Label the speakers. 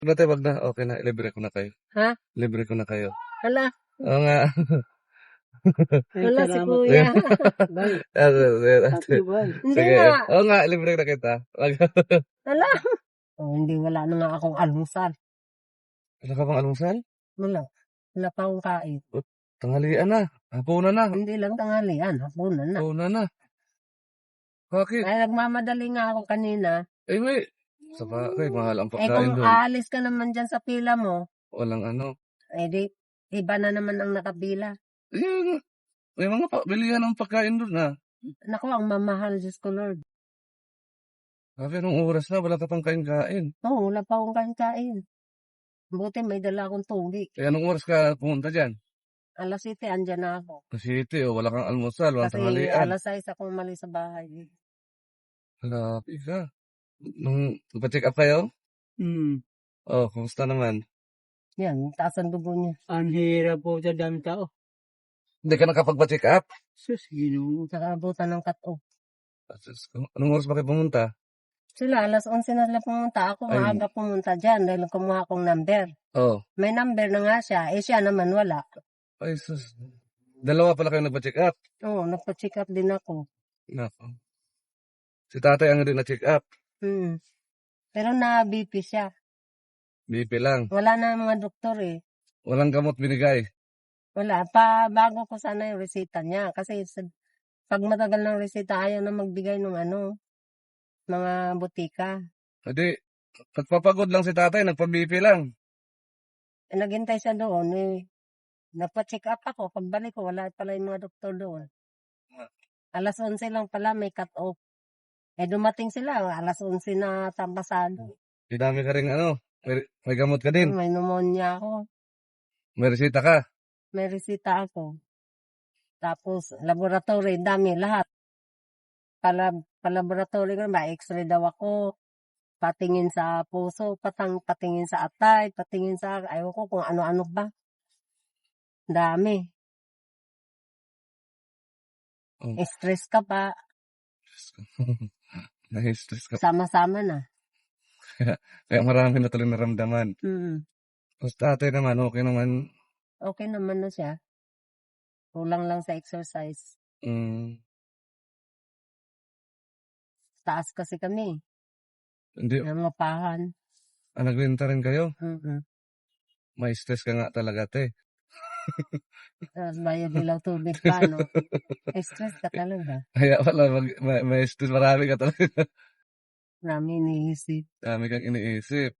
Speaker 1: Dati wag na, okay na, libre ko na kayo.
Speaker 2: Ha?
Speaker 1: Libre ko na kayo.
Speaker 2: Hala,
Speaker 1: Oo nga.
Speaker 2: wala si kuya. Hindi
Speaker 1: Sige.
Speaker 2: nga.
Speaker 1: Oo nga, libre na kita.
Speaker 2: Hala. Oh, hindi, wala na nga akong almusal.
Speaker 1: Wala ka bang almusal?
Speaker 2: Wala. Wala pa akong kain.
Speaker 1: Tanghalian na. Hapunan na.
Speaker 2: Hindi lang tanghalian, hapunan na.
Speaker 1: Hapunan na. Bakit?
Speaker 2: Ay, nagmamadali nga ako kanina.
Speaker 1: May sa bagay, mahal ang
Speaker 2: Eh,
Speaker 1: pagkain
Speaker 2: kung
Speaker 1: doon.
Speaker 2: aalis ka naman dyan sa pila mo,
Speaker 1: Walang ano.
Speaker 2: eh di, iba na naman ang nakapila.
Speaker 1: May mga bilihan ng pagkain doon na.
Speaker 2: Naku, ang mamahal, Diyos ko Lord.
Speaker 1: Sabi, anong oras na, wala ka pang kain-kain.
Speaker 2: Oo, wala pa akong kain-kain. Buti may dala akong tubig.
Speaker 1: Kaya anong oras ka pumunta dyan?
Speaker 2: Alas 7, andyan na ako.
Speaker 1: Kasi wala kang almusal, walang
Speaker 2: Kasi
Speaker 1: tanghalian.
Speaker 2: alas 6 ako umalis sa bahay.
Speaker 1: Halapi ka. Nung nagpa-check up kayo? Oh, kumusta naman?
Speaker 2: Yan, taas ang dugo niya.
Speaker 3: Ang hirap po sa dami tao.
Speaker 1: Hindi ka nakapagpa-check up?
Speaker 3: Sus, ginoo.
Speaker 2: Saka abutan ng cut-off.
Speaker 1: Anong oras ba kayo pumunta?
Speaker 2: Sila, alas 11 na sila pumunta. Ako,
Speaker 1: Ay.
Speaker 2: maaga pumunta dyan dahil kumuha akong number.
Speaker 1: Oh.
Speaker 2: May number na nga siya. Eh, siya naman wala.
Speaker 1: Ay, sus. Dalawa pala kayo nagpa-check up?
Speaker 2: Oo, nagpa-check up din ako.
Speaker 1: Nako. Si tatay ang din na-check up.
Speaker 2: Pero na-BP siya.
Speaker 1: BP lang.
Speaker 2: Wala na mga doktor eh.
Speaker 1: Walang gamot binigay.
Speaker 2: Wala. Bago ko sana yung resita niya. Kasi pag matagal ng resita, ayaw na magbigay ng mga butika.
Speaker 1: Hindi, nagpapagod lang si tatay, nagpa-BP lang.
Speaker 2: Eh, naghintay siya doon eh. Nagpa-check up ako. Pagbalik ko, wala pala yung mga doktor doon. Alas 11 lang pala, may cut-off. Eh, dumating sila, alas 11 na tampasado.
Speaker 1: Dinami ka rin may gamot ka din.
Speaker 2: May pneumonia ako.
Speaker 1: May resita ka.
Speaker 2: May resita ako. Tapos, laboratory, dami, lahat. Palaboratory ko, may x-ray daw ako. Patingin sa puso, patingin sa atay, patingin sa, ayaw ko kung ano-ano ba. Dami.
Speaker 1: Oh.
Speaker 2: Stress ka pa.
Speaker 1: Na-stress ka.
Speaker 2: Sama-sama na.
Speaker 1: Kaya marami na tuloy naramdaman. Tapos tatay naman, okay naman.
Speaker 2: Okay naman na siya. Kulang lang sa exercise. Taas kasi kami.
Speaker 1: Hindi.
Speaker 2: Nangapahan.
Speaker 1: Nagbenta rin kayo? May stress ka nga talaga, te.
Speaker 2: Tapos bayad nilang tubig pa, no? Stress ka talaga.
Speaker 1: Kaya pala, may stress, marami ka talaga.
Speaker 2: Marami iniisip.
Speaker 1: Dami kang iniisip.